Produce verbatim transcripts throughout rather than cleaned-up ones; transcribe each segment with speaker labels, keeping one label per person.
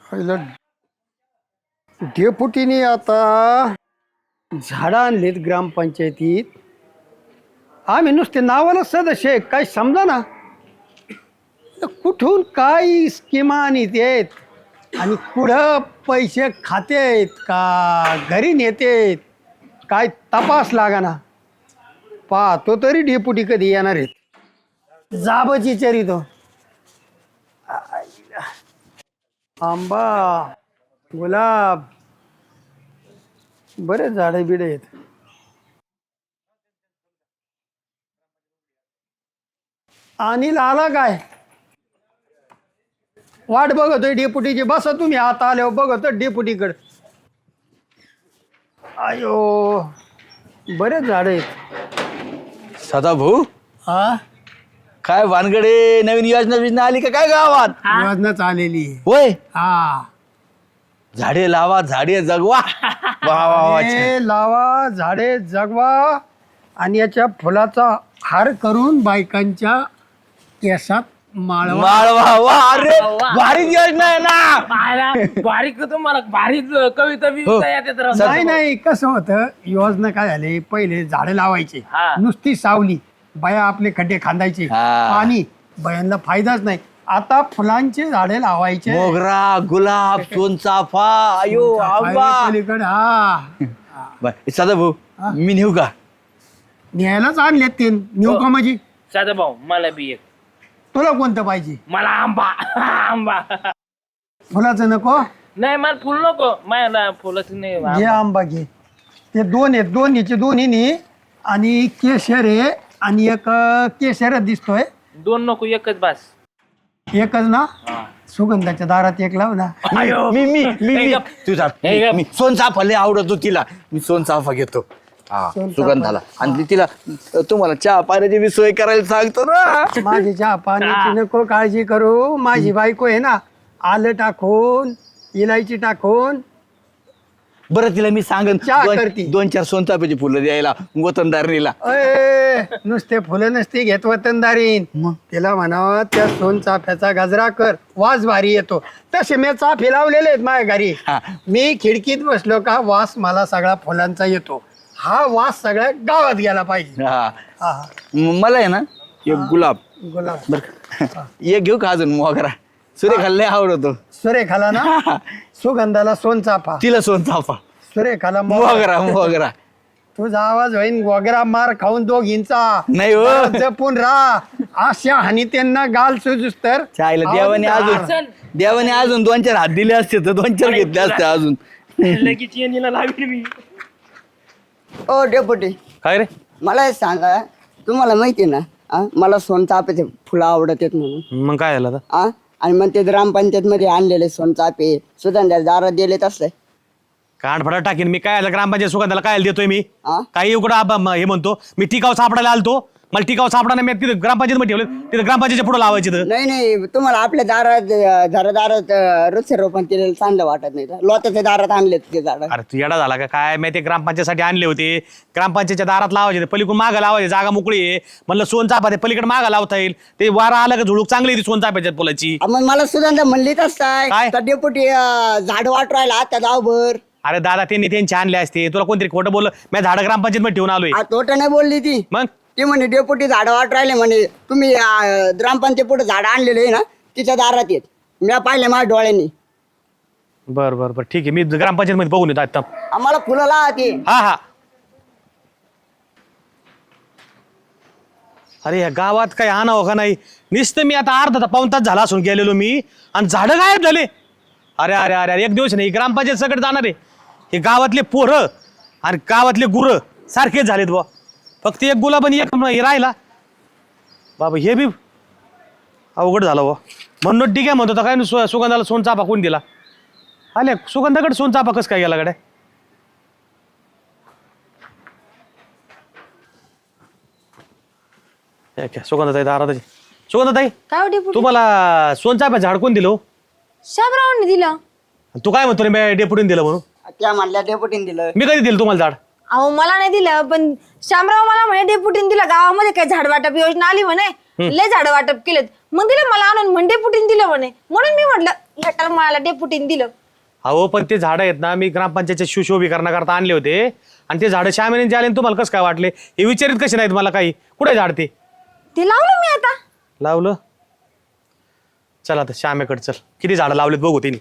Speaker 1: डेपुटीने आता झाडं आणलीत ग्रामपंचायतीत. आम्ही नुसते नावाला सदस्य आहे, काही समजा ना कुठून काय स्कीमा आणीत आहेत आणि कुठं पैसे खाते आहेत का घरी नेतेत काय तपास लागा ना. पाहतो तरी डेपुटी कधी येणार आहेत. जाबची चरितो आंबा गुलाब बरेच झाडे बिडे आहेत. अनिल आला काय? वाट बघतोय डेपुटीची. बसा तुम्ही आता आल्यावर बघतो डेपुटीकडे. आयो बरेच झाड आहेत.
Speaker 2: सदाभाऊ
Speaker 1: हा
Speaker 2: काय वानगडे नवीन योजना योजना आली का काय गावात?
Speaker 1: योजनाच आलेली आहे.
Speaker 2: होय
Speaker 1: हा
Speaker 2: झाडे लावा झाडे जगवा. वा वा वा छान.
Speaker 1: झाडे लावा झाडे जगवा आणि याच्या फुलाचा हार करून बायकांच्या केसात माळवा.
Speaker 2: माळवा वा अरे भारीच योजना आहे ना.
Speaker 3: पाहायला बारीक तुम्हाला भारीच कविता बिविता येतात राव.
Speaker 1: नाही नाही कसं होतं योजना काय झाले पहिले झाडे लावायचे
Speaker 3: हा.
Speaker 1: नुसती सावली बाया आपले खड्डे खांदायचे
Speaker 2: हा.
Speaker 1: पाणी बायांना फायदाच नाही. आता फुलांचे झाडे लावायचे.
Speaker 2: मोगरा गुलाब सोनचाफा आयो आंबा.
Speaker 1: पलीकडे हा
Speaker 2: बर सदाभाऊ मी नेऊ का?
Speaker 1: न्यायलाच आणलेत ते नेऊ का माझी.
Speaker 3: साधा भाऊ मला बी एक.
Speaker 1: तुला कोणतं पाहिजे?
Speaker 3: मला आंबा आंबा.
Speaker 1: फुलाचं नको.
Speaker 3: नाही मला फुल नको. मला फुलच नाही.
Speaker 1: घे
Speaker 3: आंबा.
Speaker 1: आंबा घे. ते दोन आहेत दोन्हीचे दोन्ही आणि केशर आहे आणि एक केशर दिसतोय.
Speaker 3: दोन नको एकच बास.
Speaker 1: एकच ना. सुगंधाच्या दारात एक लाव ना.
Speaker 3: अयो.
Speaker 2: मी मी मी
Speaker 3: हे
Speaker 2: मी
Speaker 3: गप.
Speaker 2: तुझा
Speaker 3: हे गप.
Speaker 2: मी सोनचाफा लय आवडतो तिला. मी सोनचाफा घेतो. हा
Speaker 1: सोनचाफा.
Speaker 2: सुगंधाला आणि तिला तुम्हाला चहा पाण्याची बी सोय करायला सांगतो ना.
Speaker 1: माझी चहा पाण्याची नको काळजी करू. माझी बायको आहे ना आलं टाकून इलायची टाकून
Speaker 2: बरं तिला मी सांगन
Speaker 1: चहा
Speaker 2: दोन-
Speaker 1: करती.
Speaker 2: दोन चार सोनचाफ्याची फुलं द्यायला वतनदारणीला.
Speaker 1: अय, नुसते फुलं नसती घेत वतनदारीन. तिला म्हणावं त्या सोन चाफ्याचा गजरा कर वास भारी येतो. तसे मी चाफे लावलेले आहेत माझ्या घरी.
Speaker 2: हा.
Speaker 1: मी खिडकीत बसलो का वास मला सगळा फुलांचा येतो. हा वास सगळ्या गावात गेला पाहिजे.
Speaker 2: हा
Speaker 1: हा
Speaker 2: म- मला आहे ना एक गुलाब
Speaker 1: गुलाब
Speaker 2: बर एक घेऊ का अजून मोगरा? सुरेखाला लय आवडतो.
Speaker 1: सुरेखाला ना सुगंधाला सोन चाफा
Speaker 2: तिला सोनचाफा
Speaker 1: सुरेखाला मोगरा.
Speaker 2: मोगरा मोगरा.
Speaker 1: तुझा आवाज होईन वगैरा मार खाऊन दोघींचा.
Speaker 2: नाही हो.
Speaker 1: जरा जपून राहा. अशा हानी त्यांना गाल सुजूस तर
Speaker 2: चायला देवाने अजून
Speaker 3: चल.
Speaker 2: देवाने अजून दोन चार हात दिले असते तर दोन चार घेतले असते अजून.
Speaker 3: लगेच येणीला लावील मी.
Speaker 4: ओ डेपुटी
Speaker 2: काय रे?
Speaker 4: मला एक सांगा तुम्हाला माहिती आहे ना आ, मला सोनचाफेचे फुलं आवडत आहेत म्हणून
Speaker 2: मग काय झालं आता?
Speaker 4: आ आणि मग ते ग्रामपंचायत मध्ये आणलेले सोनचाफे सुगंधा दारात दिलेत असले
Speaker 5: कानफडा टाकीन मी. काय ग्रामपंचायत सुगंधाला काय देतोय मी?
Speaker 4: आ?
Speaker 5: काही उकडं हे म्हणतो मी टिकाव सापडायला आलतो. मला टिकाव सापडा मी तिथे ग्रामपंचायत मध्ये ठेवले. तिथे ग्रामपंचायतच्या पुढे लावायचे तर.
Speaker 4: नाही नाही तुम्हाला आपल्या दारात अं, घरादारात अं, वृक्षारोपण केलेलं चांगलं वाटत नाही का? लोटाच्या दारात आणलेत ते झाड
Speaker 5: अरे तू येडा झाला का काय? मी ते ग्रामपंचायतसाठी आणले होते. ग्रामपंचायतच्या दारात लावायचे ते. पलीकडून मागं लावायचे. जागा मोकळी आहे. म्हणलं सोनचाफा ते पलीकडे मागं लावता येईल. ते वारा आलं का झुळूक चांगली आहे ती सोनचाफ्याच्या फुलाची.
Speaker 4: मग मला सुगंधा म्हणलीच असताय
Speaker 5: काय?
Speaker 4: तर डेपुटी अं, झाड वाट राहिला त्या गावभर
Speaker 5: अरे दादा त्यांनी त्यांचे आणले असते. तुला कोणतरी खोटं बोललं. मी झाडं ग्रामपंचायत मध्ये ठेवून आलोय.
Speaker 4: आ, तोटा नाही बोलली ती
Speaker 5: मग
Speaker 4: ती म्हणे डेपुटी झाड वाट राहिले म्हणे तुम्ही अं, ग्रामपंचायत पुढे झाड आणलेले आहे ना तिच्या दारात येत मी पाहिले माझ्या डोळ्यांनी.
Speaker 5: बर बर बर ठीक आहे. मी ग्रामपंचायत मध्ये बघून येतो आता.
Speaker 4: आम्हाला फुलं लावा ती.
Speaker 5: हा हा. अरे या गावात काय आणावं का नाही? नुसतं मी आता अर्धा पाऊण तास झाला असून गेलेलो मी आणि झाडं गायब झाले. अरे अरे अरे अरे एक दिवस नाही ग्रामपंचायत सगळं जाणार आहे. हे गावातले पोरं आणि गावातले गुरं सारखेच झालेत बुवा. फक्त एक गुलाब आणि एक हे राहिला बाबा. हे बी अवघड झालं बुवा. म्हणून ठीक आहे म्हणतो होता काय सु सुगंधाला सोनचाफा कोण दिला? आले सुगंधाकडे सोनचाफा कसं काय गेला कडे? सुगंधाताई दारात. सुगंधाताई
Speaker 6: काय डेपुटी?
Speaker 5: तुम्हाला सोनचाफ्याचं झाड कोण दिलं हो?
Speaker 6: शामरावांनी दिलं.
Speaker 5: तू काय म्हणतो रे मी डेपुटीने दिलं म्हणून?
Speaker 4: त्या म्हणल्या डेपुटीने दिलं.
Speaker 5: मी कधी दिलं तुम्हाला झाड?
Speaker 6: अहो मला नाही दिलं पण शामराव मला म्हणे डेपुटीने दिलं. गावामध्ये काय झाड वाटप योजना आली म्हणे. लय झाड वाटप केलेत. मग दिलं मला आणून म्हणे डेपुटीने दिलं म्हणे. म्हणून मी म्हटलं ह्या टायमाला डेपुटीने दिलं.
Speaker 5: अहो पण ते झाडं आहेत ना मी ग्रामपंचायतच्या सुशोभीकरणाकरता आणले होते आणि ते झाडं श्यामीने जे आले ना तुम्हाला कसं काय वाटले हे विचारित कसे नाहीत मला काही कुठे झाड ते
Speaker 6: ते लावलं मी आता.
Speaker 5: लावलं. चल आता श्यामेकडे चल किती झाडं लावलेत बघू तिने.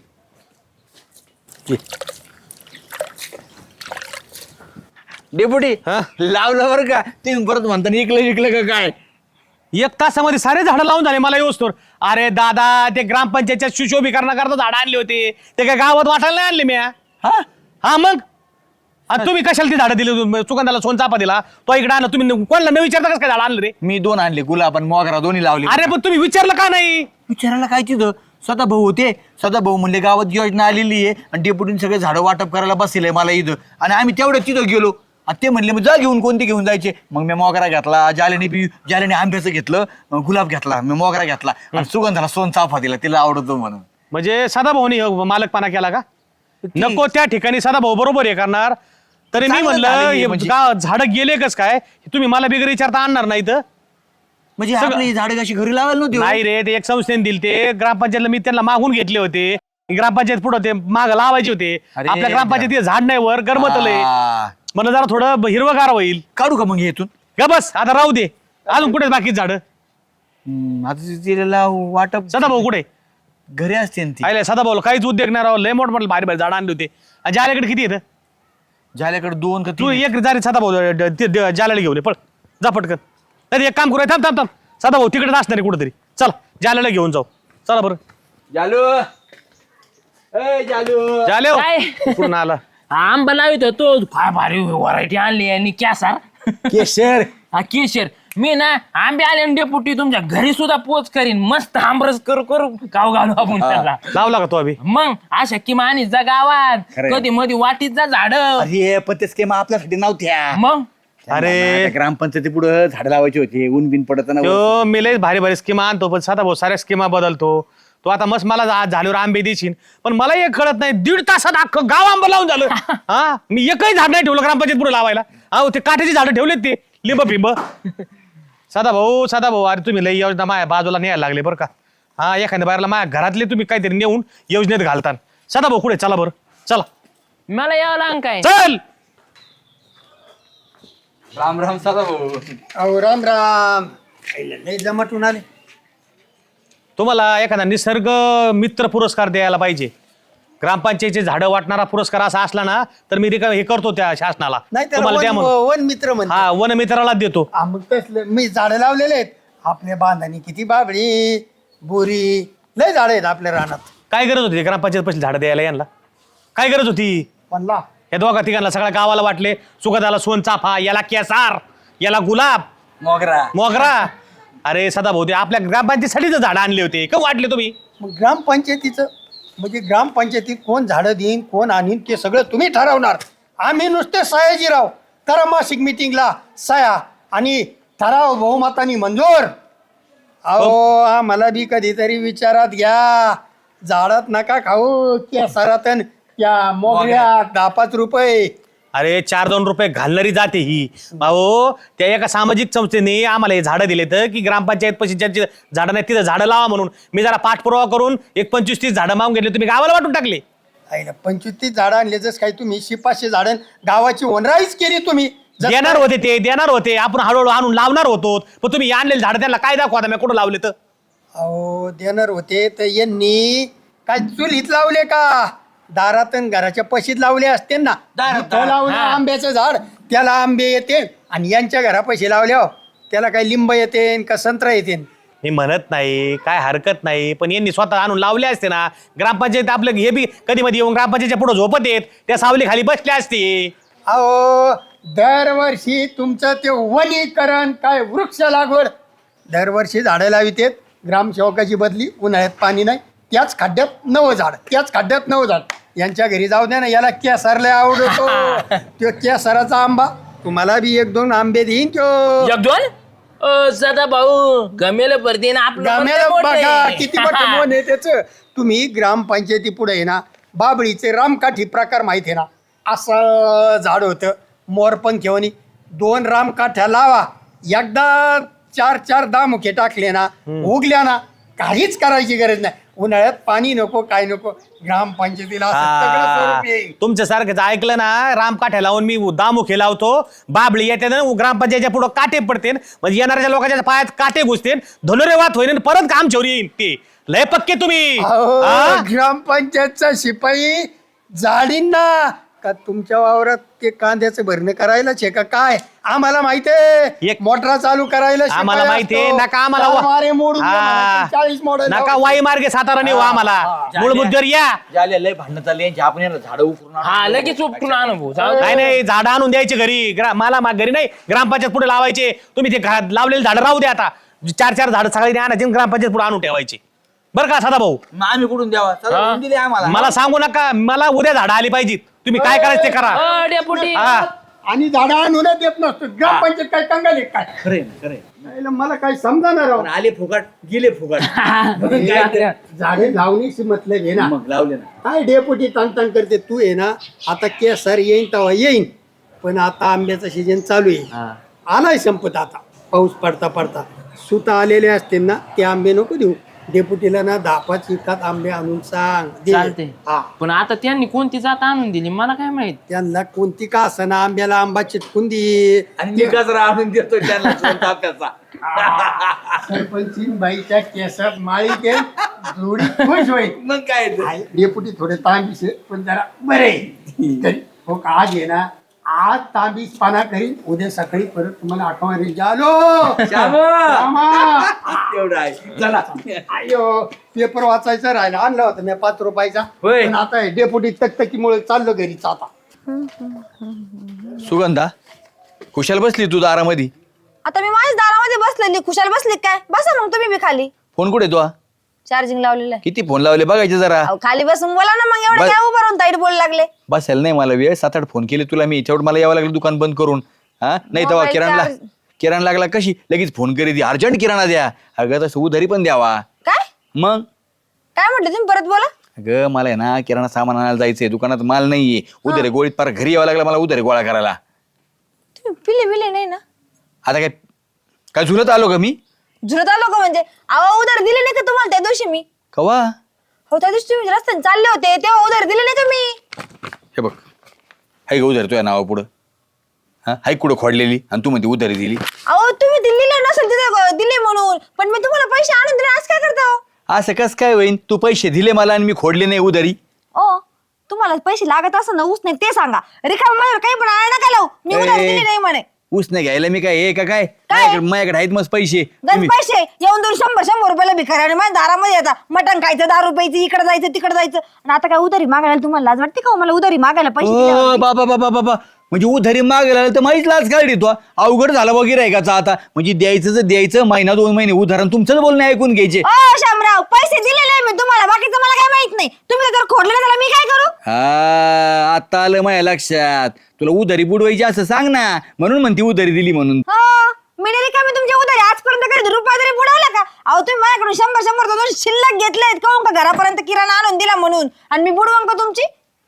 Speaker 2: डेपुटी
Speaker 5: हा?
Speaker 2: लावलं बरं का तुम्ही परत म्हणता इकलं इकलं का काय?
Speaker 5: एक तासामध्ये सारे झाडं लावून झाले मला येऊस तर. अरे दादा ते ग्रामपंचायतच्या सुशोभीकरणाकरता झाडं आणले होते ते काय गावात वाटायला नाही आणले मी.
Speaker 2: हा
Speaker 5: हा मग आता तुम्ही कशाला ती झाडं दिली सुगंधाला सोन चापा दिला तो इकडे आणला तुम्ही कोणाला न विचारता कसं काय झाडं आणलं रे.
Speaker 2: मी दोन आणले गुलाब आणि मोगरा दोन्ही लावले.
Speaker 5: अरे पण तुम्ही विचारलं का नाही.
Speaker 2: विचारायला काय तिथं सदा भाऊ होते सदा भाऊ म्हणले गावात योजना आलेली आहे आणि डेपुटीने सगळे झाडं वाटप करायला बसले मला इथं आणि आम्ही तेवढं तिथं गेलो आणि ते म्हणले मग जा घेऊन कोणते घेऊन जायचे मग मी मोगरा घेतला जालेने बी जालेने आंब्याचं घेतलं गुलाब घेतला मी मोगरा घेतला आणि सुगंधाला सोन चाफा दिला तिला आवडतो म्हणून.
Speaker 5: म्हणजे सदाभाऊनी मालकपणा केला का. नको त्या ठिकाणी सदाभाऊ बरोबर हे करणार तरी मी
Speaker 2: चांगलं
Speaker 5: म्हणलं
Speaker 2: झालं हे
Speaker 5: हे
Speaker 2: म्हणजे.
Speaker 5: गाव झाडं गेले कस काय तुम्ही मला बिगर विचारता आणणार नाही तर.
Speaker 2: म्हणजे आपली झाडं कशी घरी लावायला नव्हती हो?
Speaker 5: नाही रे ते एक संस्थेने दिले ते ग्रामपंचायतला मी त्यांना मागून घेतले होते ग्रामपंचायत पुढे ते माग लावायचे होते
Speaker 2: अरे
Speaker 5: आपल्या ग्रामपंचायतीत झाड नाही वर गरमतलंय
Speaker 2: आ,
Speaker 5: मला जरा थोडं हिरवगार होईल.
Speaker 2: काढू का मग हे इथून?
Speaker 5: ग बस आता राहू दे अजून कुठे बाकी झाडं.
Speaker 2: हम्म, आता तिला वाटप
Speaker 5: सदाभाऊ कुठे
Speaker 2: घरी असते ना ती
Speaker 5: आले सदाभाऊ काहीच उद्योग नाही राव लय मोठ मोठे भारी भारी झाडं आणले होते आणि जाल्याकडे किती येतं
Speaker 2: झाल्याकडे दोन का
Speaker 5: तू
Speaker 2: तीन
Speaker 5: एक जारी सदाभाऊ जाल्याला घेऊन ये पळ जा पटकन. नाही एक काम करूया थांब थांब थांब सदाभाऊ तिकडेच असणार आहे कुठेतरी चला जाल्याला घेऊन जाऊ चला बरं.
Speaker 2: जालू ए जालू
Speaker 5: जाले हो.
Speaker 3: काय?
Speaker 5: कुठून आला
Speaker 3: आंबा लावित तो काय भारी व्हरायटी आणली आणि कॅसार
Speaker 2: केशर
Speaker 3: हा केशर मी ना आंबे आले आणि डेपुटी तुमच्या घरी सुद्धा पोच करीन मस्त आंबरस करू करू गाव घालू आपण त्याला.
Speaker 5: लावला का तो अभि
Speaker 3: मग अशा किमा आणि जा गावात
Speaker 2: खरंय.
Speaker 3: कधी मध्ये वाटीत जा झाड
Speaker 2: अरे पण ते स्कीम आपल्यासाठी नव्हत्या
Speaker 3: मग
Speaker 5: अरे.
Speaker 2: ग्रामपंचायती पुढे झाडं लावायची होती ऊन बिन पडत ना
Speaker 5: तो मी लय भारी भारी स्कीमा आणतो पण सदाभाऊ साऱ्या स्कीमा बदलतो तो आता मस्त मला आज झाल्यावर आंबे देशील पण मला एक कळत नाही दीड तासात अख्खं गाव आंबा लावून झालं. हा मी एकही झाड नाही ठेवलं ग्रामपंचायत पुढे लावायला. अहो ते काठ्याची झाडं ठेवलेत ते लिंब फिंब. सदाभाऊ सदाभाऊ अरे तुम्ही लय योजना माझ्या बाजूला न्यायला लागले बरं का. हा एखाद्या बाहेरला माझ्या घरातले तुम्ही काहीतरी नेऊन योजनेत घालतात. सदाभाऊ कुठे चला बरं चला
Speaker 3: मला यावं लागेल काय
Speaker 5: चल.
Speaker 2: राम राम सदा भाऊ
Speaker 1: अहो राम राम लय जमटून आले.
Speaker 5: तुम्हाला एखादा निसर्ग मित्र पुरस्कार द्यायला पाहिजे. ग्रामपंचायतीचे झाडं वाटणारा पुरस्कार असा असला ना तर मी रिका हे करतो त्या शासनाला
Speaker 1: नाही त्याला
Speaker 5: तुम्हाला द्या
Speaker 1: वन
Speaker 5: म्हणून.
Speaker 1: वन मित्र म्हणते.
Speaker 5: हा वन मित्राला देतो.
Speaker 1: हा, मग तसलं मी झाडं लावलेले आहेत आपल्या बांधानी किती बाबळी बोरी लय झाडं आहेत आपल्या रानात.
Speaker 5: काय गरज होती ग्रामपंचायत पैसे झाडं द्यायला यांना काय गरज होती.
Speaker 1: म्हणला
Speaker 5: या दोघा तिघांना सगळ्या गावाला वाटले सुगंधाला सोन चाफा याला केसार याला गुलाब
Speaker 2: मोगरा
Speaker 5: मोगरा. अरे सदाभाऊ ते आपल्या ग्रामपंचायतीसाठीच झाडं आणले होते का वाटले तुम्ही.
Speaker 1: मग ग्रामपंचायतीचं म्हणजे ग्रामपंचायतीत कोण झाडं देईन कोण आणीन ते सगळं तुम्ही ठरवणार. आम्ही नुसते सयाजीराव करा मासिक मिटिंगला सया आणि ठराव बहुमतानी मंजूर. अहो आम्हाला बी कधीतरी विचारात घ्या. झाडात नका खाऊ त्या सरातन त्या मोगऱ्यात दहा पाच रुपये.
Speaker 5: अरे चार दोन रुपये घालणारी जाते ही. अहो त्या एका सामाजिक संस्थेने आम्हाला हे झाडं दिले तर की ग्रामपंचायत पैसे ज्यांची झाडं नाही तिथं झाडं लावा म्हणून मी जरा पाठपुरावा करून एक पंचवीस तीस झाडं मागून घेतले तुम्ही गावाला वाटून टाकले.
Speaker 1: आहे ना पंचवीस तीस झाडं आणले जसं काही तुम्ही शिपाशे झाडं गावाची ओनराईच केली तुम्ही. जसं
Speaker 5: देणार होते ते देणार होते आपण हळूहळू आणून लावणार होतो पण तुम्ही आणलेले झाडं त्यांना काय दाखवा मी कुठं लावले तर.
Speaker 1: अहो देणार होते तर यांनी काय चुलीत लावले का दारात अन घराच्या पशीत लावले असते ना. इथं लावलं आंब्याचं झाड त्याला आंबे येते आणि यांच्या घरा पैसे लावले हो त्याला काही लिंब येते का संत्रा येते.
Speaker 5: मी म्हणत नाही काय हरकत नाही पण यांनी स्वतः आणून लावले असते ना. ग्रामपंचायत आपलं हे बी कधी मध्ये येऊन ग्रामपंचायतच्या पुढे झोपत येत त्या सावली खाली बसले असते.
Speaker 1: अहो दरवर्षी तुमचं ते वनीकरण काय वृक्ष लागवड दरवर्षी झाडं लावितेत. ग्रामसेवकाची बदली उन्हाळ्यात पाणी नाही त्याच खड्ड्यात नवं झाड त्याच खड्ड्यात नवं झाड. यांच्या घरी जाऊ द्या ना याला केसरला आवडतो तो केसराचा आंबा तुम्हाला बी एक दोन आंबे देईन तो.
Speaker 3: एक दोन सदा भाऊ गमेल भरते ना
Speaker 1: गाम्याला बघा
Speaker 3: आपलं
Speaker 1: किती मोठं मन आहे त्याचं. तुम्ही ग्रामपंचायती पुढे आहे ना बाबळीचे रामकाठी प्रकार माहित आहे ना असं झाड होतं मोरपंख घेऊन दोन रामकाठ्या लावा एकदा चार चार दहा मुखे टाकले ना उगल्या ना काहीच करायची गरज नाही. उन्हाळ्यात पाणी नको, काय नको, ग्रामपंचायतीला असं सगळं स्वरूप येईल.
Speaker 5: तुमच्या सारखं ऐकलं ना, रामकाठ्या लावून मी दामुखे लावतो, बाबळी येते ना ग्रामपंचायतच्या पुढं काटे पडते, म्हणजे येणाऱ्या लोकांच्या पायात काटे घुसते, धनुरे वात होईन, परत काम चोरी येईन. ते लय पक्के तुम्ही.
Speaker 1: अहो,
Speaker 5: हा?
Speaker 1: ग्रामपंचायतचा शिपाई जाडीन ना का तुमच्या वावरात ते कांद्याचं भरणं करायलाच आहे का काय? आम्हाला माहितीये
Speaker 5: एक-
Speaker 1: मोटरा चालू करायला
Speaker 5: आम्हाला
Speaker 1: शिपाई
Speaker 5: माहितीये
Speaker 1: असतो.
Speaker 5: नका आम्हाला
Speaker 1: चार
Speaker 5: वा-
Speaker 1: मारे मोडून द्या
Speaker 5: हा.
Speaker 1: मला, चाळीस मॉडेल
Speaker 5: नका वाई मार्गे सातारा नेऊ आम्हाला. मूळ मुद्द्यावर या.
Speaker 2: झाले लय भांडणं चालली यांची, आपण यांना झाडं उकरून आणू.
Speaker 3: हा लगेच उपटून आणू भाऊ जाऊ दे.
Speaker 5: नाही नाही, झाडं आणून द्यायचे घरी. ग्रा- मला मा- घरी नाही, ग्रामपंचायत पुढे लावायचे. तुम्ही ते घरात लावलेले झाडं राहू द्या. आता चार चार झाडं सगळी आणायची, ग्रामपंचायत पुढे आणून ठेवायची. बरं का सदा भाऊ?
Speaker 2: मग आम्ही कुठून द्यावा? चला,
Speaker 3: हा?
Speaker 2: देऊन दिले आम्हाला.
Speaker 5: मला सांगू नका, मला उद्या झाडं आली पाहिजेत. तुम्ही काय करायचं ते करा.
Speaker 3: अ, डेपुटी
Speaker 5: हा.
Speaker 1: आणि झाडं आणून देत नसतो. ग्रामपंचायत काय कंगाल आहे काय?
Speaker 2: खरे खरे
Speaker 1: नाही ना, मला काय समजाणार राव.
Speaker 2: पण आले फुकट गेले फुकट.
Speaker 1: झाडे लावणीशी मतलब आहे ना.
Speaker 2: मग लावले ना.
Speaker 1: काय डेपुटी ताण करते तू आहे ना. आता केसर येईन तेव्हा येईन, पण आता आंब्याचं सीजन चालू आहे. आलाय संपत आता, पाऊस पडता पडता सुता आलेले असते ना, ते आंबे नको देऊ. डेपुटीला ना दहा पाच विकत आंबे आणून सांग दे.
Speaker 3: चालते
Speaker 1: हा,
Speaker 3: पण आता त्यांनी कोणती जात आणून दिली मला काय माहित.
Speaker 1: त्यांना कोणती का असना आंब्याला आंबा चिटकून दे.
Speaker 2: आणि मी गजरा आणून देतो त्यांना ताप्याचा.
Speaker 1: सरपंचीन बाईच्या केसात माळी ते जोडी खुश होईल.
Speaker 2: मग काय ते?
Speaker 1: आहे, डेपुटी थोडे तांबीस आहे, पण जरा बरे तरी हो का, आज आहे ना, आज तांबीस पाना करीन, उद्या सकाळी परत तुम्हाला आठवण येईल. जालो
Speaker 2: श्यामा!
Speaker 1: श्यामा!
Speaker 2: तेवढं आहे. चला.
Speaker 1: अयो, पेपर वाचायचा राहिला, आणला होता मी पाच रुपयाचा,
Speaker 2: होय.
Speaker 1: पण आता हे डेपुटी तकतकीमुळे चाललो घरीच आता.
Speaker 2: सुगंधा, खुशाल बसली तू दारामध्ये.
Speaker 6: आता मी माझ्या दारामध्ये बसलेली, खुशाल बसली काय? बसा मग तुम्ही बी खाली.
Speaker 2: फोन कुठे तो?
Speaker 6: चार्जिंग लावलेलं आहे.
Speaker 2: किती फोन लावले बघायचे जरा.
Speaker 6: अहो, खाली बसून बोला ना मग. एवढं
Speaker 2: बस.
Speaker 6: काय उभं राहून ताईट बोलू लागले?
Speaker 2: बसायला नाही मला वेळ. सात आठ फोन केले तुला मी, तेवढं मला यावं लागलं दुकान बंद करून. हा नाही तेव्हा
Speaker 6: Mobile
Speaker 2: किराणला
Speaker 6: charge-
Speaker 2: किराणा लागला कशी लगेच फोन करी, अर्जंट किराणा द्या. अगं तसं उधारी पण द्यावा.
Speaker 6: काय
Speaker 2: मग
Speaker 6: काय म्हटलं तुम्ही? परत बोला.
Speaker 2: अगं मला आहे ना किराणा सामान आणायला जायचंय, दुकानात माल नाहीये. उधारी गोळीत पार घरी यावं लागलं मला उधारी गोळा करायला.
Speaker 6: तुम्ही पिले बिले नाही ना?
Speaker 2: आता काय काय झुलत आलो का मी?
Speaker 6: झुरत आलो का म्हणजे? अहो, उधार दिले नाही का तुम्हाला त्या दिवशी मी?
Speaker 2: कवा?
Speaker 6: हो, त्या दिवशी तुम्ही रस्त्याने चालले होते तेव्हा उधार दिले नाही का मी?
Speaker 2: हे बघ, हाय का उधारी तुझ्या नावा पुढं? हा हाय कुठं खोडलेली आणि तू म्हणते उधारी दिली.
Speaker 6: अहो, तुम्ही दिले नसेल तिथे दिले म्हणून, पण मी तुम्हाला पैसे आणून दिले. आज काय करता हो?
Speaker 2: असं कस काय होईन? तू पैसे दिले मला आणि मी खोडले नाही उधारी.
Speaker 6: ओ, तुम्हाला पैसे लागत असं ना, ऊस नाही ते सांगा. रिकामा माझ्यावर काही पण आळ नका लावू. मी उधार
Speaker 2: ए.
Speaker 6: दिली नाही म्हणे.
Speaker 2: ऊस नाही घ्यायला मी काय हे का काय?
Speaker 6: काय?
Speaker 2: माझ्याकडे माझ्याकडे आहेत मस्त पैसे.
Speaker 6: गज
Speaker 2: तुम्ही-
Speaker 6: पैसे येऊन दोन शंभर शंभर रुपयाला भिकारी आणि माझ्या दारामध्ये येतात. मटण खायचं, दारू प्यायचं, इकडे जायचं तिकडे जायचं. आणि आता काय उधारी मागायला तुम्हाला लाज वाटते का हो? मला उधारी मागायला पैसे
Speaker 2: ओ
Speaker 6: दिल्यावर?
Speaker 2: बाबा बाबा बाबा, म्हणजे उधारी मागायला आलं तर माहीच लाच काढली तो. अवघड झाला वगैरे आहे का आता? म्हणजे द्यायचं तर द्यायचं, महिना दोन महिने उधारण तुमचंच बोलणं ऐकून घ्यायचे.
Speaker 6: ओ शामराव, पैसे दिलेले आहे मी तुम्हाला, बाकीचं मला काय माहित नाही. तुम्ही जर खोडले ना, त्याला मी काय करू?
Speaker 2: हा आता आलं माझ्या लक्षात. तुला उधारी बुडवायची असं सांग ना, म्हणून म्हणते उधारी दिली म्हणून.
Speaker 6: हो, मी नाही का मी तुमच्या उधारी आजपर्यंत कधी रुपया तरी बुडवला का? अहो, तुम्ही माझ्याकडून शंभर शंभर दोन शिल्लक घेतलेत का का घरापर्यंत किराणा आणून दिला म्हणून, आणि मी बुडवून का तुमची?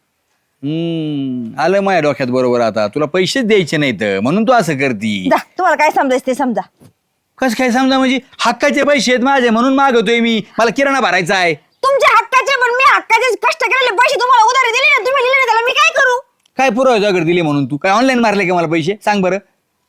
Speaker 2: हम्म आलं माझ्या डोक्यात बरोबर. आता तुला पैसेच द्यायचे नाहीत म्हणून तू असं करती.
Speaker 6: जा, तुम्हाला काय समजायचं ते समजा.
Speaker 2: कस काय समजा? म्हणजे हक्काचे पैसे आहेत माझे म्हणून मागवतोय मी. मला किराणा भरायचा आहे.
Speaker 6: तुमच्या हक्काचे, पण मी हक्काचे कष्ट केलेले पैसे तुम्हाला उधारी दिले ना, तुम्ही दिले ना, त्याला मी काय करू?
Speaker 2: काय पुरावा तुझ्याकडे दिले म्हणून? तू काय ऑनलाईन मारले का मला पैसे? सांग बरं.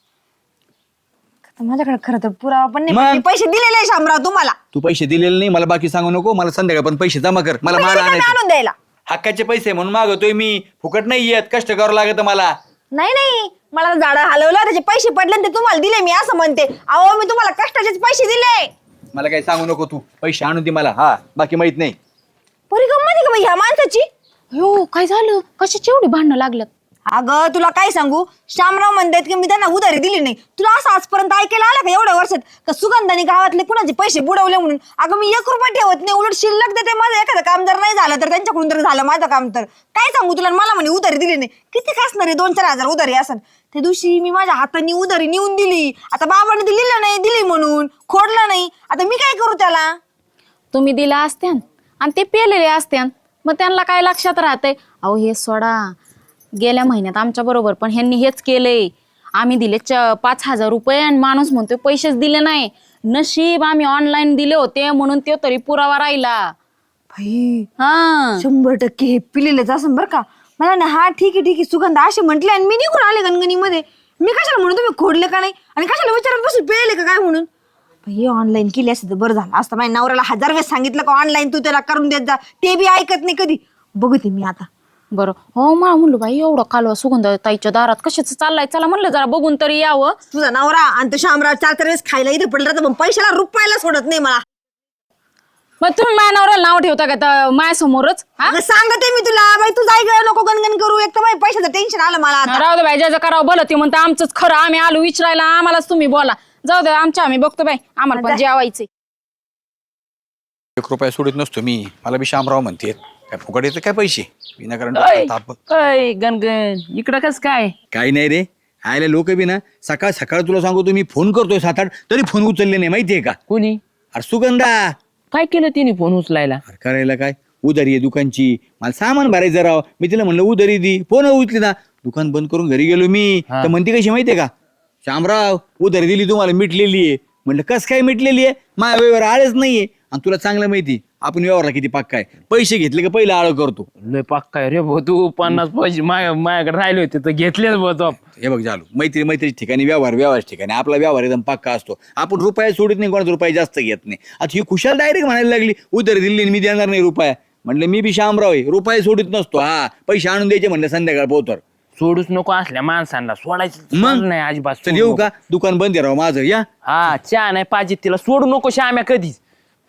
Speaker 6: आता माझ्याकडे खरं तर पुरावा पण नाही,
Speaker 2: मग?
Speaker 6: पण मी पैसे दिलेले आहे शामराव तुम्हाला.
Speaker 2: तू पैसे दिलेले नाही मला बाकी सांगू नको. मला संध्याकाळ पण पैसे जमा कर. मला
Speaker 6: तुम्ही
Speaker 2: माल
Speaker 6: रिकामे
Speaker 2: आणायचं.
Speaker 6: आणून द्यायला.
Speaker 2: हक्काचे पैसे म्हणून मागवतोय मी. फुकट नाही येत, कष्ट करावं लागत मला.
Speaker 6: नाही नाही, मला झाडं हलवलं त्याचे पैसे पडले आणि ते तुम्हाला दिले, मी असं म्हणते. अहो, मी तुम्हाला कष्टाचेच पैसे दिले.
Speaker 2: मला काही सांगू नको तू. पैसे आणून दे मला. हा बाकी माहित नाही.
Speaker 6: परी गंमत आहे का बाई ह्या माणसाची?
Speaker 7: हो काय झालं? कशाची एवढी भांडणं लागलं?
Speaker 6: अगं, तुला काय सांगू, श्यामराव म्हणतात की मी त्यांना उधारी दिली नाही. तुला असं आजपर्यंत ऐकायला आलं का एवढ्या वर्षात का सुगंधाने गावातले कुणाचे पैसे बुडवले म्हणून? अगं, मी एक रुपया ठेवत नाही, उलट शिल्लक देते. माझं एखादं काम जर नाही झालं तर त्यांच्याकडून तर झालं माझं काम. तर काय सांगू तुला, मला म्हणे उधारी दिली नाही. किती का असणार आहे? दोन चार हजार उधारी असन. त्या दिवशी मी माझ्या हाताने उधारी नेऊन दिली. आता बाबाने दिलेलं नाही, दिली म्हणून खोडलं नाही. आता मी काय करू त्याला?
Speaker 7: तुम्ही दिला असत्यान आणि ते पेलेले असत्यान, मग त्यांना काय लक्षात राहतंय? अहो हे सोडा, गेल्या महिन्यात आमच्या बरोबर पण ह्यांनी हेच केलंय. आम्ही दिले च पाच हजार रुपये आणि माणूस म्हणतोय पैसेच दिले नाही. नशीब आम्ही ऑनलाईन दिले होते म्हणून ते तरी पुरावा राहिला.
Speaker 6: भाई
Speaker 7: हा
Speaker 6: शंभर टक्के हे पिलेलंच असं बरं का. मला ना हा ठीक आहे ठीक आहे सुगंध असे म्हटले आणि मी निघून आले गणगणीमध्ये. मी कशाला म्हणून तुम्ही खोडले का नाही आणि कशाला विचारत बसून पिळले का काय म्हणून. हे ऑनलाईन केली असते तर बरं झालं असतं. माझ्या नवऱ्याला हजार वेळेस सांगितलं का ऑनलाईन तू त्याला करून देत जा, ते बी ऐकत नाही कधी. बघते मी आता.
Speaker 7: बरं हो मला म्हणलं बाई एवढं कालवा सुगंध ताईच्या दारात कशाच चाललाय, चला म्हणलं जरा बघून तरी यावं.
Speaker 6: तुझा नवरा आणि तो शामराव चार चार वेळेस खायला इथे पडला तर पण पैशाला रुपयाला सोडत नाही मला.
Speaker 7: मग तुम्ही माझ्या नवऱ्याला नाव ठेवता का त्या माझ्यासमोरच? हा
Speaker 6: अगं सांगते मी तुला बाई तू जाय गं, नको गणगण करू. एक तर बाई पैशाचं टेन्शन आलं मला आता.
Speaker 7: राहू दे बाई, ज्याचं करावं भलं ते म्हणतं आमचंच खरं, आम्ही आलो विचारायला आम्हालाच तुम्ही बोला. जाऊ दे आमच्या आम्ही बघतो बाई, आम्हाला पण जेवायचे.
Speaker 2: एक रुपया सोडित नसतो मी. मला बी शामराव म्हणते काय फुकट येतं काय पैसे विनाकारण
Speaker 3: अय,
Speaker 2: ताप.
Speaker 3: अय, गणगण इकडं कस काय?
Speaker 2: काही नाही रे, आयला लोक बी ना सकाळ सकाळ तुला सांगतो मी फोन करतोय सात आठ तरी फोन उचलले नाही माहितीये का.
Speaker 3: कोणी
Speaker 2: अरे सुगंधा
Speaker 3: काय केलं तिने फोन उचलायला?
Speaker 2: अरे करायला काय, उधारी आहे दुकानची, मला सामान भरायचं राव. मी तिला म्हणलं उधारी दी, फोन उचली ना. दुकान बंद करून घरी गेलो मी.
Speaker 3: हा.
Speaker 2: तर म्हणते कशी माहितीये का, शामराव उधारी दिली तुम्हाला मिटलेली आहे. म्हणलं कस काय मिटलेली आहे, माझ्या व्यवहार आळच नाहीये. आणि तुला चांगलं माहिती आपण व्यवहारला किती पक्का आहे. पैसे घेतले का पहिलं आळ करतो.
Speaker 3: लय पक्का रे भाऊ, तू पन्नास पैसे माझ्या माझ्याकडे राहिले होते तर घेतलेच भाऊ.
Speaker 2: हे बघ झालो, मैत्री मैत्री ठिकाणी व्यवहार व्यवहार ठिकाणी आपला व्यवहार एकदम पक्का असतो. आपण रुपया सोडित नाही, कोणाचा रुपया जास्त घेत नाही. आता ही खुशाल डायरेक्ट म्हणायला लागली उधारी दिली आणि मी देणार नाही रुपया. म्हणलं मी बी शामराव आहे, रुपया सोडित नसतो. हा पैसे आणून द्यायचे म्हणलं संध्याकाळ पोहोचवर.
Speaker 3: सोडूच नको असल्या माणसांना, सोडायचं
Speaker 2: मग?
Speaker 3: नाही अजिबात.
Speaker 2: चल
Speaker 3: सोडू
Speaker 2: येऊ
Speaker 3: नको.
Speaker 2: का, दुकान बंद आहे राव माझं. या
Speaker 3: हा चहा नाही पाहिजे तिला, सोडू नको श्याम्या कधीच.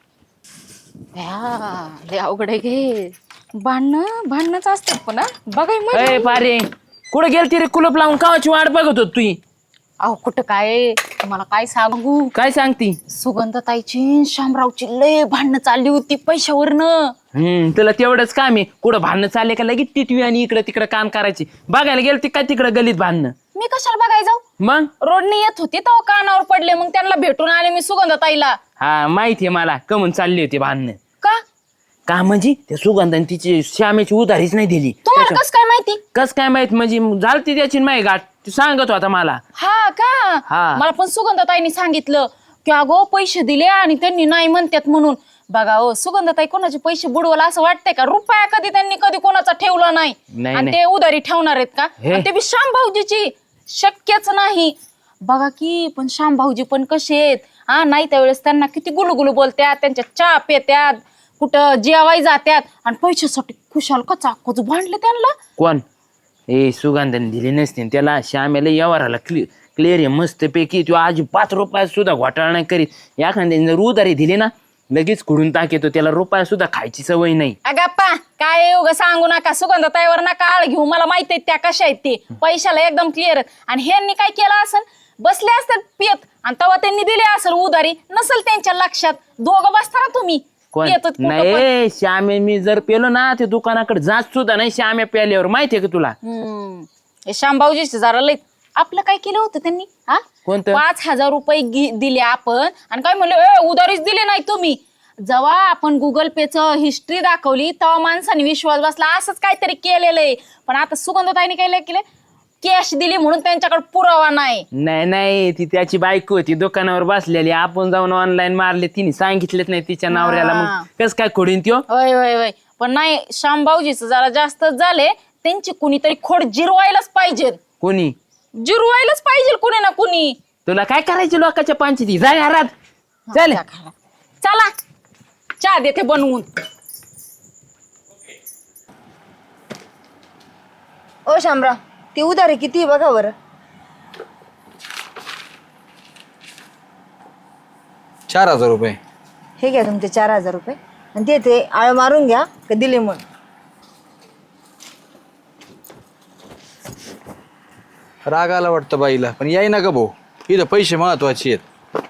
Speaker 7: लय अवघड आहे घे, भांडणं भांडणंच असतात पण. बघाय मग
Speaker 3: अय पारे कुठं गेलती रे कुलप लावून, कावाची वाट बघत होत तुई?
Speaker 7: अहो कुठं काय, तुम्हाला काय सांगू.
Speaker 3: काय सांगती?
Speaker 7: सुगंधताईची शामरावची लय भांडणं चालली होती पैशावरनं.
Speaker 3: हम्म तुला तेवढंच काम आहे, कुठं भांडणं चालले का लगेच टिटवी आणि इकडं तिकडं काम करायची. बघायला गेलती काय तिकडं गलीत भांडणं?
Speaker 7: मी कशाला बघाय जाऊ,
Speaker 3: मग
Speaker 7: रोडने येत होती तेव्हा कानावर पडले, मग त्यांना भेटून आले मी सुगंधताईला.
Speaker 3: हा माहितीये मला कमून चालली होती भांडणं.
Speaker 7: का
Speaker 3: का म्हणजे त्या सुगंधाने तिची श्यामेची उधारीच नाही दिली.
Speaker 7: तुम्हाला कस काय माहिती?
Speaker 3: कस काय माहित म्हणजे झालती त्याची माही गाठ, ती सांगत होता मला.
Speaker 7: हा का,
Speaker 3: हा.
Speaker 7: मला पण सुगंधताईने सांगितलं की अगो पैसे दिले आणि त्यांनी नाही म्हणतात म्हणून. बघा हो सुगंधताई कोणाचे पैसे बुडवला असं वाटतंय का? रुपया कधी त्यांनी कधी कोणाचा ठेवला नाही.
Speaker 3: नाही,
Speaker 7: आणि
Speaker 3: नाही.
Speaker 7: ते उधारी ठेवणार आहेत का?
Speaker 3: हे.
Speaker 7: आणि ते बी श्याम भाऊजीची, शक्यच नाही. बघा की पण श्याम भाऊजी पण कसे आहेत हा, नाही त्यावेळेस त्यांना किती गुलुगुलू बोलत्यात, त्यांच्या चहा पेत्यात, कुठं जेवाय जात्यात आणि पैशासाठी खुशाल कचा कच भांडले त्यांना.
Speaker 3: कोण? ए सुगंधाने दिली नसते न त्याला. श्यामेला व्यवहाराला क्लि क्लिअर आहे मस्त पैकी. तो आज पाच रुपयात सुद्धा घोटाळा नाही करीत. एखाद्याने जर उधारी दिली ना लगेच खुडून टाकेतो, त्याला रुपया सुद्धा खायची सवय नाही.
Speaker 7: अगप्पा काय उगा सांगू नका, सुगंधताईवर नका आळ घेऊ. मला माहित आहे त्या कशा आहेत ते, पैशाला एकदम क्लिअर. आणि ह्यांनी काय केलं असेल, बसले असतात पियत आणि तेव्हा त्यांनी दिले असेल उधारी, नसेल त्यांच्या लक्षात. दोघं बसता ना तुम्ही
Speaker 3: कोण?
Speaker 7: पियत होत कुठं पण.
Speaker 3: नाही श्यामे मी जर पेलो ना ते दुकानाकडे जात सुद्धा नाही श्यामे प्याल्यावर. माहितीये का तुला?
Speaker 7: हम्म. हे श्यामभाऊजीचे जरा लय. आपलं काय केलं होतं त्यांनी हा?
Speaker 3: कोणतं?
Speaker 7: पाच हजार रुपये गि- दिले आपण आणि काय म्हणलं ए उधारीच दिले नाही तुम्ही. जेव्हा आपण गुगल पेचं हिस्ट्री दाखवली तेव्हा माणसाने विश्वास बसला, असंच काहीतरी केलेलं आहे. पण आता सुगंधताईने काय केलं, कॅश दिली म्हणून त्यांच्याकडे पुरावा नाही.
Speaker 3: नाही नाही ती त्याची बायको होती दुकानावर बसलेली, आपण जाऊन ऑनलाईन मारले, तिने सांगितलेच नाही तिच्या नवऱ्याला. मग कस काय खोडीन त्यो?
Speaker 7: होय होय होय. पण नाही श्यामभाऊजीचं जरा जास्तच झाले. त्यांची कुणीतरी खोड जिरवायलाच पाहिजे,
Speaker 3: कोणी?
Speaker 7: जिरवायलाच पाहिजे कुणी ना कुणी.
Speaker 3: तुला काय करायचे लोकांच्या पंचायती? जा घरात चल.
Speaker 7: चला चहा देते बनवून.
Speaker 6: ओ शामराव ती उधारी किती आहे बघा बरं.
Speaker 2: चार हजार रुपये.
Speaker 6: हे घ्या तुमचे चार हजार रुपये आणि ते ते आळ मारून घ्या का दिले म्हणून.
Speaker 2: राग आला वाटतं बाईला, पण याय ना ग भाऊ, इथं पैसे महत्वाचे आहेत.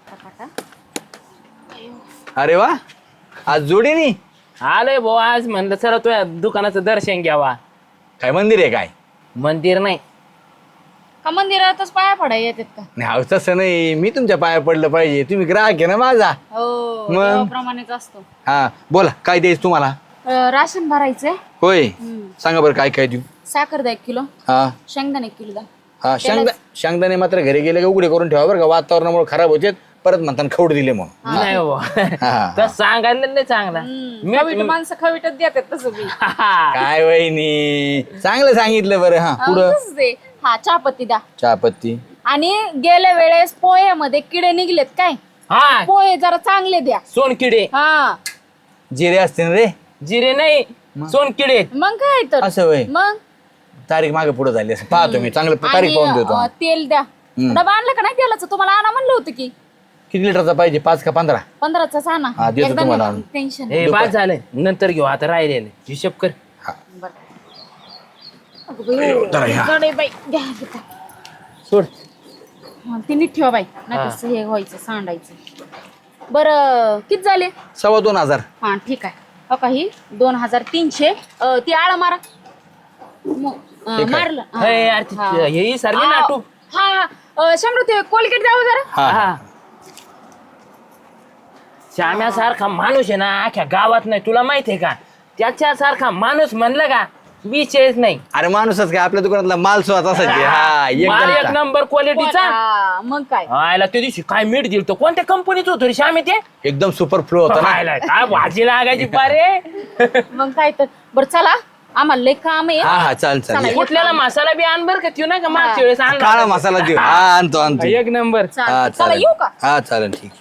Speaker 2: अरे वा, आज जोडीनी
Speaker 3: आलोय भाऊ, आज म्हणलं चला तुझ्या दुकानाचं दर्शन घ्यावा.
Speaker 2: काय मंदिर आहे काय?
Speaker 3: मंदिर नाही
Speaker 7: का मंदिरातच पाया पडाय येतात का?
Speaker 2: नाही अहो, तसं नाही, मी तुमच्या पाया पडलं पाहिजे. तुम्ही ग्राहक आहे ना माझा.
Speaker 7: हो
Speaker 2: मग?
Speaker 7: देवाप्रमाणेच असतो.
Speaker 2: हा बोला, काय द्यायचं तुम्हाला?
Speaker 7: अं, राशन भरायचंय.
Speaker 2: होय सांगा बरं काय काय देऊ.
Speaker 7: साखर द्या एक किलो,
Speaker 2: हा
Speaker 7: शेंगदाणे एक किलो द्या.
Speaker 2: हा शेंगदा शेंगदाणे मात्र घरी गेले का उघडे करून ठेवा बरं का, वातावरणामुळे खराब होते परत म्हणताना खवड दिले म्हणून.
Speaker 3: नाही हो
Speaker 2: हा.
Speaker 3: तर सांगायला नाही चांगला
Speaker 7: खवीट माणसं खवीटच देतात तसं बी.
Speaker 2: काय वहिनी चांगलं सांगितलं बरं. हा पुढं
Speaker 7: तसंच आहे. हा चहापत्ती द्या.
Speaker 2: चहापत्ती.
Speaker 7: आणि गेल्या वेळेस पोह्यामध्ये किडे निघलेत काय,
Speaker 3: हा
Speaker 7: पोहे जरा चांगले द्या.
Speaker 3: सोनकिडे
Speaker 7: हा
Speaker 2: जिरे असते ना रे.
Speaker 3: जिरे नाही सोनकिडे.
Speaker 7: मग काय तर
Speaker 2: असं वय
Speaker 7: मग
Speaker 2: तारीख मागे पुढे झाली असं पाहतो मी चांगलं तारीख पाहून देतो.
Speaker 7: अं, तेल द्या. डबा आणलं का नाही तेलाचं, तुम्हाला आणा म्हणलं होतं की.
Speaker 2: किती लिटरचा पाहिजे, पाच का पंधरा?
Speaker 7: पंधराचाच आणा.
Speaker 2: हा, देतो
Speaker 7: एकदा
Speaker 2: तुम्हाला
Speaker 7: नाही,
Speaker 2: आणून.
Speaker 7: टेन्शन
Speaker 3: हे बाद झालंय नंतर घेऊ आता राहिलेलं हिशोब कर.
Speaker 7: नाही. बाई घ्या घेता.
Speaker 3: सोड.
Speaker 7: हा, ते नीट ठेवा बाई, नाही तसं हे व्हायचं सांडायचं. बरं किती झाले?
Speaker 2: सव्वा दोन हजार.
Speaker 7: हा ठीक आहे. हो काही दोन हजार तीनशे. अं, ती आळा मारा. मग, अं,
Speaker 2: ठीक आहे.
Speaker 7: मारलं. हा.
Speaker 3: हे यार ती-
Speaker 7: हा.
Speaker 3: हे सारखी
Speaker 7: हा,
Speaker 3: नाटू.
Speaker 7: हा हा. अं, शंभर ते कोलगेट द्यावं जरा.
Speaker 2: हा
Speaker 3: हा श्याम्यासारखा माणूस आहे ना अख्ख्या गावात नाही, तुला माहितीये का? त्याच्यासारखा माणूस म्हणलं का विषयच नाही.
Speaker 2: अरे माणूसच काय, आपल्या दुकानातला माल स्वतः असायचे. हा
Speaker 3: माल एक
Speaker 2: एकदम
Speaker 3: नंबर क्वालिटीचा.
Speaker 7: हा, मग काय.
Speaker 3: आयला त्या दिवशी काय मीठ दिल तो कोणत्या कंपनीचं होतं रे श्यामे ते?
Speaker 2: एकदम सुपर फ्लो होता ना.
Speaker 3: आयला, काय भाजी लागायची पारे.
Speaker 7: मग काय तर. बरं चला, आम्हाला लय काम आहे.
Speaker 2: हा हा चाल चाल
Speaker 7: चला,
Speaker 3: कुठल्याला मसाला बी आण बर का, त्यो नाही का मागच्या वेळेस आणला
Speaker 2: काळा
Speaker 3: होता.
Speaker 2: मसाला देऊ. हा आणतो आणतो.
Speaker 3: एक नंबर.
Speaker 2: हा
Speaker 7: चालेल. चला
Speaker 2: चालेल.
Speaker 7: येऊ का?
Speaker 2: हा चालेल ठीक.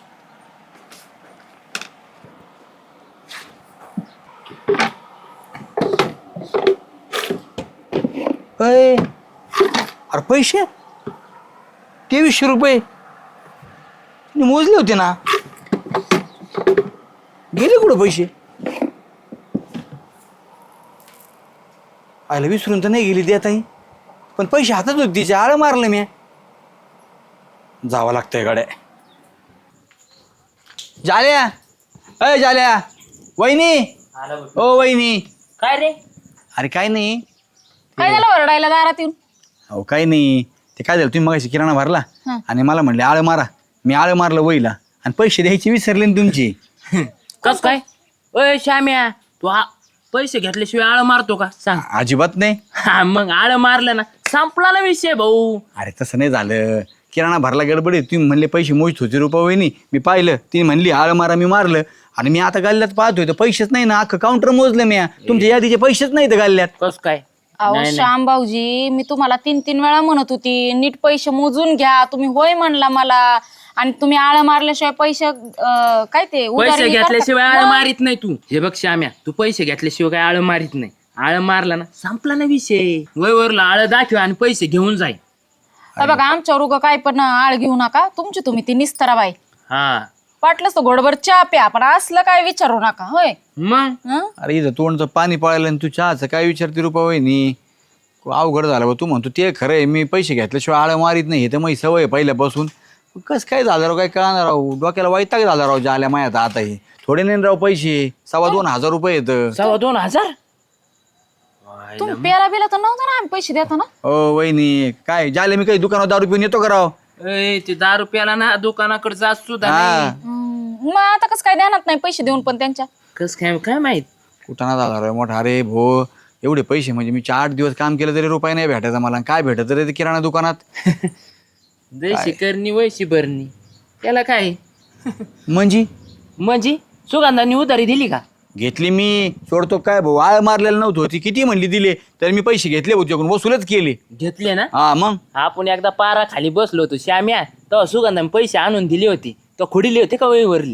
Speaker 2: अय, अरे पैसे तेवीसशे रुपये मी मोजले होते ना, गेले कुठं पैसे? आयला विसरून तर नाही गेली देत आहे, पण पैसे हातात होते तिचे. आळं मारलं मी. जावं लागतंय गाड्या. जाल्या अय जाल्या, वहिनी. ओ वहिनी.
Speaker 3: काय रे?
Speaker 2: अरे काय नाही.
Speaker 7: काय झालं ओरडायला दारात येऊन?
Speaker 2: अहो काही नाही, ते काय झालं, तुम्ही मगाशी किराणा भरला
Speaker 7: हं.
Speaker 2: आणि मला म्हणले आळं मारा. मी आळं मारलं वहीला आणि पैसे द्यायचे विसरले ना तुमचे.
Speaker 3: कस काय? ओय श्याम्या, तू आ- पैसे घेतल्याशिवाय आळ मारतो का सांग?
Speaker 2: अजिबात नाही.
Speaker 3: हा मग आळ मारलं ना संपला ना विषय भाऊ.
Speaker 2: अरे तसं नाही झालं, किराणा भरला गडबडीत तुम्ही म्हणले पैसे मोजत होते रुपये वहिनी. मी पाहिलं, ती म्हणली आळं मारा, मी मारलं आणि मी आता गाल्ल्यात पाहतोय तर पैसेच नाही ना. अख्खं काउंटर मोजलं मी, तुमच्या यादीचे पैसेच नाही तर गाल्ल्यात.
Speaker 3: कस काय?
Speaker 7: अहो
Speaker 3: नाही, नाही.
Speaker 7: श्याम भाऊजी, मी तुम्हाला तीन तीन वेळा म्हणत होती नीट पैसे मोजून घ्या. तुम्ही होय म्हणला मला, आणि तुम्ही आळ मारल्याशिवाय पैसे अं, काय ते उधारी
Speaker 3: पैसे
Speaker 7: करता-
Speaker 3: घेतल्याशिवाय आळ
Speaker 7: मग?
Speaker 3: मारित नाही तू. हे बघ श्याम्या, तू पैसे घेतल्याशिवाय काय आळ मारित नाही. आळ मारला ना संपला ना विषय. वयवरला आळ दाखव आणि पैसे घेऊन जाय.
Speaker 7: हे बघा आमच्यावर उगं काय पण आळ घेऊ नका. तुमची तुम्ही ती निस्तरा बाई.
Speaker 3: हा
Speaker 7: वाटलंच तर घोडभर चहा प्या, पण असलं काय विचारू नका. होय.
Speaker 3: मग
Speaker 7: हं?
Speaker 2: अरे इथं तोंडचं पाणी पळायला आणि तू चहाचं काय विचारते रुपये वहिनी. अवघड झालं बा. तू म्हणतो ते खरं आहे, मी पैसे घेतल्याशिवाय आळं मारीत नाही. हे तर माझी सवय आहे पहिल्यापासून. कसं काय झालं राव, काय कळणार राव. डोक्याला वैताग झाला राव जाल्या मायात. आता हे थोडे नाही राव पैसे, सव्वा दोन हजार रुपये येतं.
Speaker 3: सव्वा दोन हजार
Speaker 7: तुम्ही प्याला बिला तर नव्हतं ना आम्ही पैसे देतो ना.
Speaker 2: ओ वहिनी काय झाले, मी काही दुकानात दारू पिऊन येतो का राव?
Speaker 3: ए, ते दहा रुपयाला ना दुकानाकडे जात सुद्धा
Speaker 2: हा
Speaker 3: नाही.
Speaker 7: हं, मग आता कसं काय ध्यानात नाही पैसे देऊन पण त्यांच्या.
Speaker 3: कस काय काय माहित.
Speaker 2: कुठाना झाला राव मोठा. अरे भो, एवढे पैसे म्हणजे मी चार दिवस काम केलं तरी रुपये नाही भेटायचा मला. काय भेटत रे ते किराणा दुकानात.
Speaker 3: जैशी करणी वैशी भरणी, त्याला काय
Speaker 2: म्हणजे
Speaker 3: म्हणजे सुगंधांनी उधारी दिली का?
Speaker 2: घेतली मी, सोडतो काय भाऊ. आळ मारलेलं नव्हतं, ती किती म्हणली दिले, तर मी पैसे घेतले होते वसूलच केले.
Speaker 3: घेतले ना.
Speaker 2: हा मग
Speaker 3: आपण एकदा पारा खाली बसलो होतो श्याम्या, तेव्हा सुगंधाने पैसे आणून दिले होते, तर खुडीले होते का वहीवरली?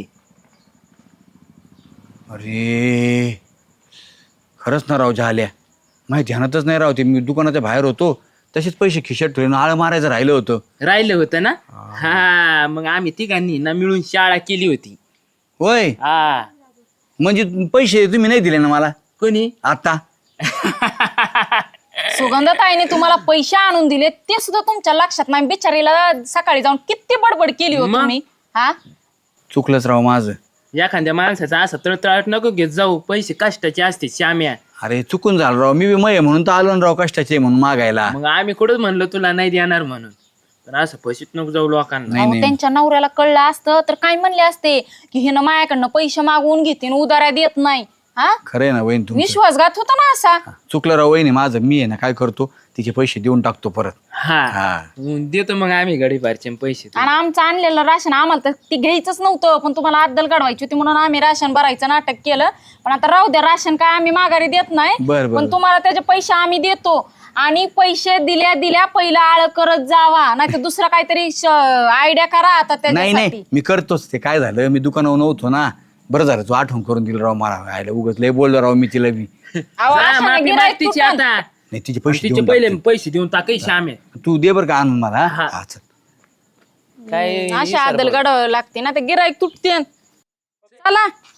Speaker 2: अरे खरंच ना राव झाल्या, माहिती ध्यानातच नाही राव. ते मी दुकानाच्या बाहेर होतो तसेच पैसे खिशात ठेवून आळ मारायचं राहिलं होतं.
Speaker 3: राहिलं होतं ना. हा मग आम्ही तिघांनी ना मिळून शाळा केली होती.
Speaker 2: होय,
Speaker 3: हा
Speaker 2: म्हणजे पैसे तुम्ही नाही दिले ना मला
Speaker 3: कोणी?
Speaker 2: आता?
Speaker 7: सुगंधताईने तुम्हाला पैसे आणून दिले ते सुद्धा तुमच्या लक्षात नाही. बिचारीला सकाळी जाऊन किती बडबड केली हो
Speaker 3: मग?
Speaker 7: तुम्ही. हा
Speaker 2: चुकलंच राव माझं.
Speaker 3: एखाद्या माणसाचा असं तळतळाट नको घेत जाऊ, पैसे कष्टाचे असते श्याम्या.
Speaker 2: अरे चुकून झालं राव. मी बी मय म्हणून तर आलो ना राव कष्टाचे म्हणून मागायला.
Speaker 3: मग आम्ही कुठंच म्हणलो तुला नाही देणार म्हणून, पण असं पैसेच नको जाऊ लोकांना.
Speaker 2: नाही
Speaker 7: अहो,
Speaker 2: नाही
Speaker 7: त्यांच्या नवऱ्याला कळलं असतं तर काय म्हणले असते की हिनं माझ्याकडनं पैसे मागवून घेते आणि उधाऱ्या देत नाही. हा
Speaker 2: खरंय ना वहीन तुमचं
Speaker 7: विश्वासघात होता ना असा.
Speaker 2: चुकलं राव वहिनी माझं. मी आहे ना काय करतो तिचे पैसे देऊन टाकतो परत.
Speaker 3: हा
Speaker 2: हा
Speaker 3: मग देतो मग आम्ही गडीपारचे पैसे.
Speaker 7: आणि आमचं आणलेलं राशन आम्हाला तर ती घ्यायचंच नव्हतं, पण तुम्हाला अद्दल काढवायची होती म्हणून आम्ही राशन भरायचं नाटक केलं. पण आता राहू द्या, राशन काय आम्ही माघारी देत नाही,
Speaker 2: बरं, बरं.
Speaker 7: पण तुम्हाला त्याचे पैसे आम्ही देतो. आणि पैसे दिल्या दिल्या पहिला आळ करत जावा, नाही तर दुसरा काहीतरी आयडिया करा आता
Speaker 2: नाही
Speaker 7: त्याच्यासाठी.
Speaker 2: नाही मी करतोच. ते काय झालं मी दुकानावर नव्हतो ना. बरं झालं तू आठवण करून दिलं राव मला. आयला उगाच लय बोललो राव मी तिला बी.
Speaker 7: अहो,
Speaker 3: जा,
Speaker 7: अशाने
Speaker 3: माफी
Speaker 7: गिऱ्हाईक
Speaker 3: माग तिची
Speaker 7: तुटन.
Speaker 3: आता.
Speaker 2: नाही तिचे पैसे
Speaker 3: तिचे
Speaker 2: देऊन
Speaker 3: पहिले
Speaker 2: टाकतो.
Speaker 3: पैसे देऊन टाकाय श्यामे.
Speaker 2: तू दे बरं का आणून मला. हा हा, चल.
Speaker 3: काय
Speaker 7: अशा आदल काढावं लागते ना, ते गिराईक तुटते. चला